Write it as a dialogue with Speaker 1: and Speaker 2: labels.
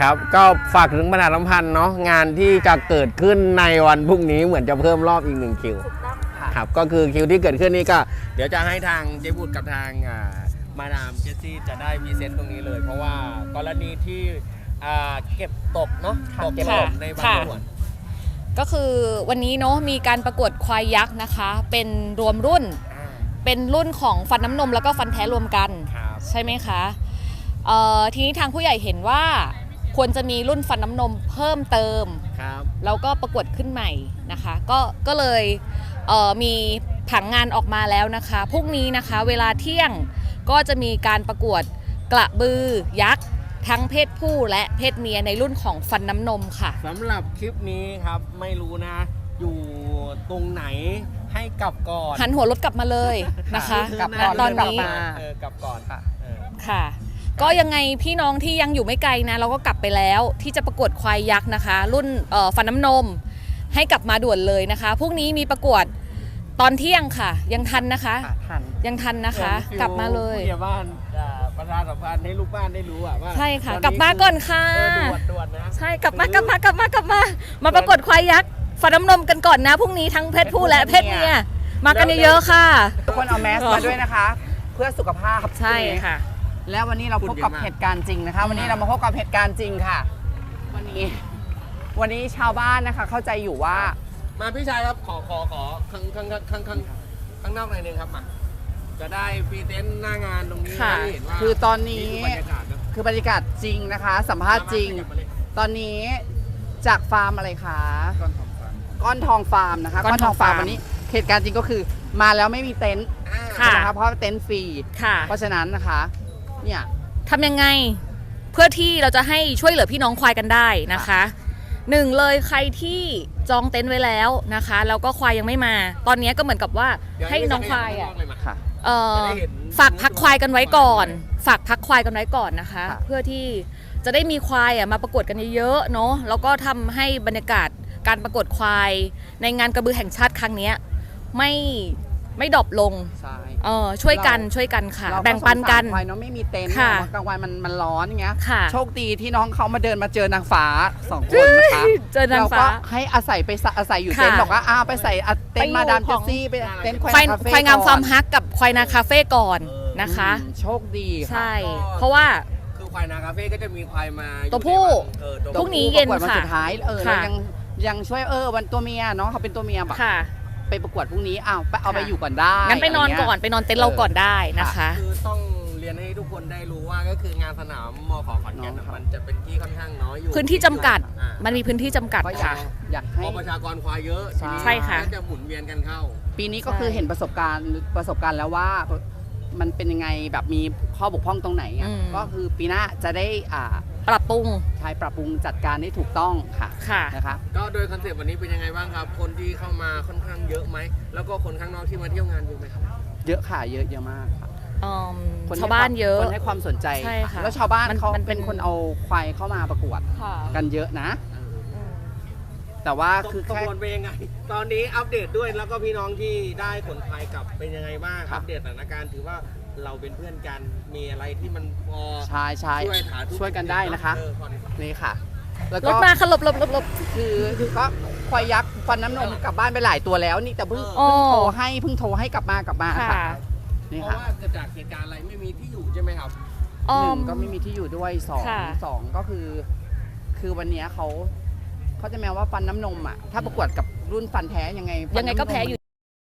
Speaker 1: ครับก็ฝากถึงประชาสัมพันธ์เนาะงานที่จะเกิดขึ้นในวันพรุ่งนี้เหมือนจะเพิ่มรอบอีก1คิวครับก็คือคิวที่เกิดขึ้นนี่ก็เดี๋ยวจะให้ทางเจบุตรกับทางมาดามเจสซี่จะได้พรีเซนต์ตรงนี้เลย เพราะว่ากรณีที่เก็บตกเนาะตกเก็บตกในบางส่วน
Speaker 2: ก็คือวันนี้เนาะมีการประกวดควายยักษ์นะคะเป็นรวมรุ่นเป็นรุ่นของฟันน้ำนมแล้วก็ฟันแท้รวมกันใช่ไหมคะทีนี้ทางผู้ใหญ่เห็นว่าควรจะมีรุ่นฟันน้ำนมเพิ่มเติมแล้วก็ประกวดขึ้นใหม่นะคะก็เลยมีผังงานออกมาแล้วนะคะพรุ่งนี้นะคะเวลาเที่ยงก็จะมีการประกวดกระบือยักษ์ทั้งเพศผู้และเพศเมียในรุ่นของฟันน้ำนมค่ะ
Speaker 1: สำหรับคลิปนี้ครับไม่รู้นะอยู่ตรงไหนให้กลับก่อน
Speaker 2: หันหัวรถกลับมาเลยนะคะตอนนี้
Speaker 1: กลับก่อน
Speaker 2: ค่ะก็ยังไงพี่น้องที่ยังอยู่ไม่ไกลนะเราก็กลับไปแล้วที่จะประกวดควายยักษ์นะคะรุ่นฟันน้ำนมให้กลับมาด่วนเลยนะคะพรุ่งนี้มีประกวดตอนเที่ยงค่ะยังทันนะคะยังทันนะคะกลับมาเลย
Speaker 1: ผู้ใหญ่บ้านประชาสัมพันธ์ให้ลูกบ้านได้รู้ว่า
Speaker 2: ใช่ค่ะกลับมาก่อนค่ะ
Speaker 1: ด่วนนะ
Speaker 2: ใช่กลับมามาประกวดควายยักษ์ฟันน้ำนมกันก่อนนะพรุ่งนี้ทั้งเพศผู้และเพศเมียมากันเยอะๆค่ะ
Speaker 3: ทุกคนเอาแมสมาด้วยนะคะเพื่อสุขภาพ
Speaker 2: ใช่ค่ะ
Speaker 3: แล้ววันนี้เราพบกับเหตุการณ์จริงนะคะวันนี้เรามาพบกับเหตุการณ์จริงค่ะวันนี้ชาวบ้านนะคะเข้าใจอยู่ว่า
Speaker 1: มาพี่ชายครับขอข้างนอกหน่อยนึงครับมาจะได้พรีเซนต์หน้างานตรงนี้ให้เห็นว่า
Speaker 3: คือตอนนี้คือบรรยากาศจริงนะคะสัมภาษณ์จริงตอนนี้จากฟาร์มอะไรคะก้อนทองฟาร์มนะคะก้อนทองฟาร์มวันนี้เหตุการณ์จริงก็คือมาแล้วไม่มีเต็นท์นะคะเพราะเต็นท์ฟรีเพราะฉะนั้นนะคะเนี่ย
Speaker 2: ทำยังไงเพื่อที่เราจะให้ช่วยเหลือพี่น้องควายกันได้นะคะหนึ่งเลยใครที่จองเต็นท์ไว้แล้วนะคะแล้วก็ควายยังไม่มาตอนนี้ก็เหมือนกับว่าให้น้องควายฝากพักควายกันไว้ก่อนนะคะเพื่อที่จะได้มีควายมาประกวดกันเยอะๆเนาะแล้วก็ทำให้บรรยากาศการประกวดควายในงานกระบือแห่งชาติครั้งนี้ไม่ดรอปลงช่วยกันค่ะแบ่งปันกัน
Speaker 3: ควายน้องไม่มีเต็นท์กลางวันมันร้อนอย่างเงี้ยโชคดีที่น้องเขามาเดินมาเจอนางฟ้า2 คนนะคะเราก็ให้อาศัยอยู่เต็นท์บอกว่าไปใส่เต็นท์มาดามเจสซี่ไปเต็นท์
Speaker 2: ควายงามฟาร์มฮักกับควายนาคาเฟ่ก่อนนะคะ
Speaker 3: โชคดี
Speaker 2: ใช่เพราะว่า
Speaker 1: คือควายนาคาเฟ่ก็จะมีควายมา
Speaker 2: ตัวผู้พรุ่งนี้เย็นค่ะ
Speaker 3: สุดท้ายยังช่วยวันตัวเมียน้องเขาเป็นตัวเมียแบบไปประกวดพรุ่งนี้เอาไปอยู่ก่อนได้
Speaker 2: งั้นไปนอนก่อนไปนอนเต็นท์เราก่อนได้นะคะ
Speaker 1: คือต้องเรียนให้ทุกคนได้รู้ว่าก็คืองานสนามมข.ขอนแก่นมันจะเป็นที่ค่อนข้างน้อยอยู่
Speaker 2: พื้นที่จำกัดมันมีพื้นที่จำกัดค่ะ
Speaker 3: อยากให้
Speaker 1: ประชากรควายเยอะ
Speaker 2: ใช่ค่ะ
Speaker 1: จะหมุนเวียนกันเข้า
Speaker 3: ปีนี้ก็คือเห็นประสบการณ์แล้วว่ามันเป็นยังไงแบบมีข้อบกพร่องตรงไหนก็คือปีหน้าจะได้
Speaker 2: ปรับปรุง
Speaker 3: จัดการได้ถูกต้องค่ะนะคะ
Speaker 1: ก็โดยคอนเซ็ปต์วันนี้เป็นยังไงบ้างครับคนที่เข้ามาค่อนข้างเยอะไหมแล้วก็คนข้างนอกที่มาเที่ยวงานเยอะไหมครับ
Speaker 3: เยอะค่ะเยอะมากค่ะ
Speaker 2: ชาวบ้านเยอะ
Speaker 3: คนให้ความสนใจแล้วชาวบ้านเขาเป็นคนเอาควายเข้ามาประกวดกันเยอะนะแต่ว่าคือ
Speaker 1: แค่เป็นยังไงตอนนี้อัปเดตด้วยแล้วก็พี่น้องที่ได้ขนควายกลับเป็นยังไงบ้างอัปเดตสถานการณ์ถือว่าเราเป็นเพื่อนกันมีอะไรที่มันพอ
Speaker 3: ช่วยกันได้นะคะนี่ค่ะ
Speaker 2: แล้วก็รถมาค่ะหลบ
Speaker 3: คือก็ควายยักษ์ฟันน้ำนมกลับบ้านไปหลายตัวแล้วนี่แต่เพิ่งโทรให้กลับมาค่ะ
Speaker 1: นี่ค่ะเพราะว่าเกิดจากเหตุการณ์อะไรไม่มีที่อยู่ใช่ไหมครับ
Speaker 3: 1ก็ไม่มีที่อยู่ด้วย2ก็คือวันนี้เขาจะแม้ว่าฟันน้ำนมถ้าประกวดกับรุ่นฟันแท้ยังไง
Speaker 2: ก็แพ้อยู่